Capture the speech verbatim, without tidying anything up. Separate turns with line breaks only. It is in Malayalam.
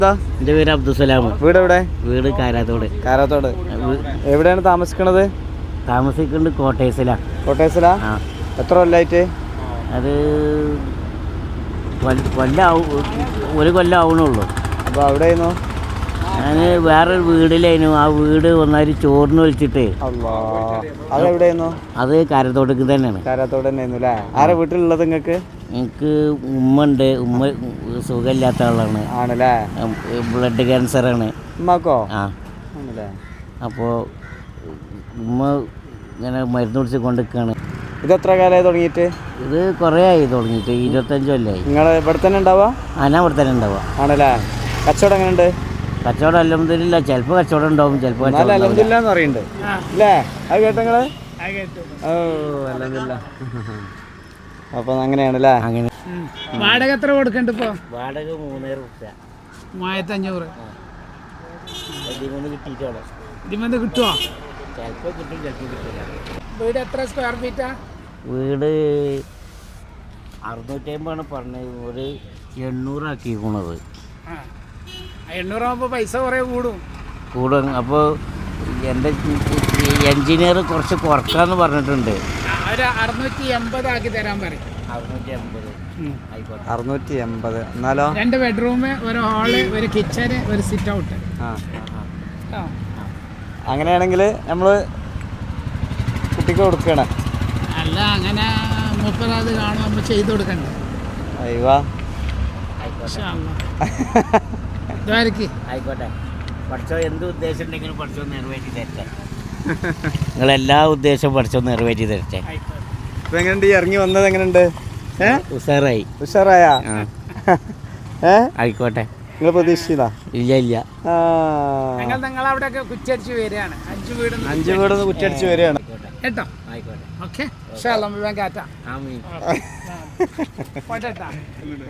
എൻ്റെ പേര് അബ്ദുസലാം.
വീട് എവിടെ?
വീട് കാരാത്തോട്.
കാരാത്തോട് എവിടെയാണ് താമസിക്കണത്?
താമസിക്കുന്നത് കോട്ടേഴ്സിലാണ്.
കോട്ടേഴ്സിലാ? എത്ര കൊല്ലായിട്ട്?
അത് കൊല്ലാവും, ഒരു കൊല്ലം ആവണുള്ളൂ.
അപ്പോൾ അവിടെ ആയിരുന്നു?
ഞാൻ വേറൊരു വീടിലായിരുന്നു. ആ വീട് ഒന്നായി ചോറിന് വിളിച്ചിട്ട്.
അതെവിടെയായിരുന്നു?
അത് കാരത്തോട്ടേക്ക് തന്നെയാണ്.
കാരാത്തോട് തന്നെ ആയിരുന്നു അല്ലേ? ആരാ വീട്ടിലുള്ളത് നിങ്ങൾക്ക്?
എനിക്ക് ഉമ്മ ഉണ്ട്. ഉമ്മ സുഖമില്ലാത്ത ആളാണ്.
ആണല്ലേ?
ബ്ലഡ് ക്യാൻസറാണ്
ഉമ്മാക്കോ?
ആ
ആണല്ലേ?
അപ്പോൾ ഉമ്മ ഇങ്ങനെ മരുന്ന് കുടിച്ച് കൊണ്ടിരിക്കുകയാണ്.
ഇതെത്ര കാലമായി തുടങ്ങിയിട്ട്?
ഇത് കുറേ ആയി തുടങ്ങിയിട്ട്, ഇരുപത്തഞ്ച് കൊല്ലമായി.
നിങ്ങൾ ഇവിടെ തന്നെ ഉണ്ടാവുക?
ആ, ഞാൻ ഇവിടെ തന്നെ ഉണ്ടാവുക.
ആണല്ലേ? കച്ചവടം എങ്ങനെയുണ്ട്?
കച്ചവടം അൽഹംദുലില്ലാ, ചിലപ്പോൾ കച്ചവടം ഉണ്ടാവും, ചിലപ്പോൾ
അൽഹംദുലില്ലാ എന്ന് പറയുന്നുണ്ട് അല്ലേ? അത് കേട്ടോ നിങ്ങള്? ഓ അൽഹംദുലില്ലാ. അപ്പൊ അങ്ങനെയാണല്ലേ? അങ്ങനെ.
വാടക എത്ര കൊടുക്കണ്ട? ഇപ്പൊ
വാടക മൂന്നര റുപ്യ,
മൂവായിരത്തി അഞ്ഞൂറ്
കിട്ടിയിട്ടോളൂ.
ഇതിമെന്ന് കിട്ടുമോ?
ചിലപ്പോൾ കിട്ടും, ചിലപ്പോൾ കിട്ടില്ല.
വീട് എത്ര സ്ക്വയർ ഫീറ്റാ?
വീട് അറുന്നൂറ്റി അമ്പതാണ് പറഞ്ഞത്, ഒരു എണ്ണൂറാക്കിയിരിക്കണത്.
എണ്ണൂറാകുമ്പോൾ പൈസ കുറേ കൂടും
കൂടും. അപ്പോൾ എൻ്റെ എൻജിനീയർ കുറച്ച് കുറക്കാന്ന് പറഞ്ഞിട്ടുണ്ട്.
ഒരു അറുന്നൂറ്റി എൺപത് ആക്കി തരാൻ പറയും.
അറുന്നൂറ്റി എൺപത് ആയിക്കോട്ടെ.
അറുന്നൂറ്റി എൺപത് എന്നാലോ?
രണ്ട് ബെഡ്റൂം, ഒരു ഹാള്, ഒരു കിച്ചന്, ഒരു സിറ്റ് ഔട്ട്.
ആ, അങ്ങനെയാണെങ്കിൽ നമ്മൾ കുട്ടിക്ക് കൊടുക്കണം.
അല്ല, അങ്ങനെ മുപ്പത് അത് കാണും, നമ്മൾ ചെയ്ത് കൊടുക്കണ്ടേ?
അയ്യോ
ആയിക്കോട്ടെ. പഠിച്ചോ, എന്ത് ഉദ്ദേശം ഉണ്ടെങ്കിലും പഠിച്ചോ നിറവേറ്റി തരട്ടെ. നിങ്ങളെല്ലാ ഉദ്ദേശവും പഠിച്ചോ നിറവേറ്റി തരട്ടെ.
ഇപ്പൊ എങ്ങനെയുണ്ട് ഈ ഇറങ്ങി വന്നത്? എങ്ങനെയുണ്ട്?
ഉഷാറായി.
ഉഷാറായ? ഏ ആയിക്കോട്ടെ. നിങ്ങൾ പ്രതീക്ഷിച്ചതാ?
ഇല്ല ഇല്ല.
ഞങ്ങൾ നിങ്ങളവിടെ കുറ്റടിച്ച് വരികയാണ്. അഞ്ച് വീട്
അഞ്ച് വീടൊന്ന് കുറ്റടിച്ച് വരികയാണ്
കേട്ടോ?
ആയിക്കോട്ടെ.
ഓക്കെ, കാറ്റാ.